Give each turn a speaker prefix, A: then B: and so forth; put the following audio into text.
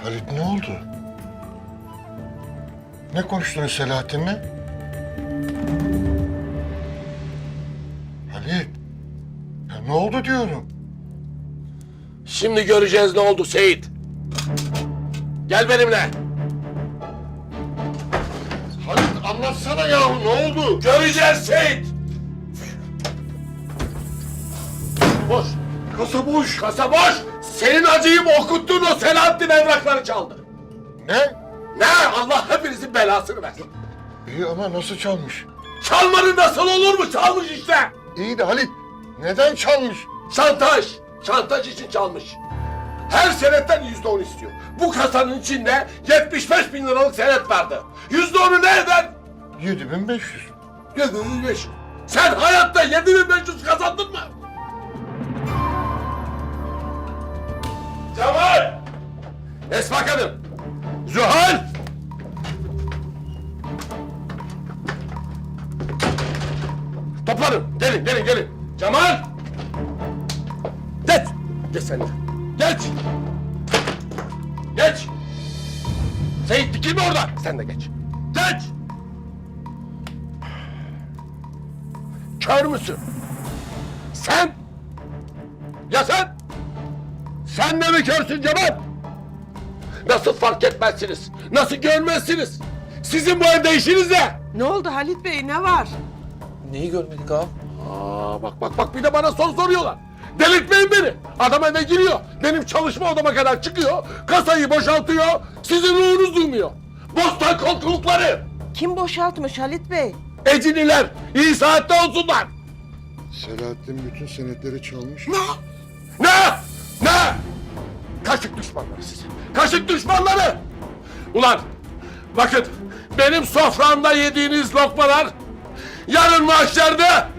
A: Halit ne oldu? Ne konuştunuz Selahattin'le? Halit, ya ne oldu diyorum.
B: Şimdi göreceğiz ne oldu Seyit. Gel benimle.
A: Halit anlatsana yahu ne oldu?
B: Göreceğiz Seyit. Boş.
A: Kasa boş.
B: Kasa boş. Senin acıyı okuttuğun o Selahattin evrakları çaldı.
A: Ne?
B: Ne? Allah hepinizin belasını versin.
A: İyi ama nasıl çalmış?
B: Çalmanın nasıl olur mu? Çalmış işte.
A: İyi de Halit neden çalmış?
B: Şantaj. Şantaj için çalmış. Her senetten %10 istiyor. Bu kasanın içinde 75.000 liralık senet vardı. %10'u ne eder?
A: 7500.
B: 7.500. Sen hayatta 7.500 kazandın mı? Cemal! Esma Kadın! Zühal! Toplanın! Gelin! Cemal! Geç! Geç sen de. Geç! Seyit dikilme orada! Sen de geç. Geç! Kör müsün? Sen? Ya sen? Sen de mi körsün Cemal? Nasıl fark etmezsiniz? Nasıl görmezsiniz? Sizin bu evde işiniz ne?
C: Ne oldu Halit Bey, ne var?
D: Neyi görmedik ağam?
B: Bak bir de bana soru soruyorlar. Delirtmeyin beni. Adam eve giriyor. Benim çalışma odama kadar çıkıyor. Kasayı boşaltıyor. Sizin ruhunuz duymuyor. Bostan korkulukları.
C: Kim boşaltmış Halit Bey?
B: Eciniler. İyi saatte olsunlar.
A: Selahattin bütün senetleri çalmış.
B: Ne? Kaşık düşmanları sizi. Kaşık düşmanları. Ulan bakın benim soframda yediğiniz lokmalar yarın mahşerde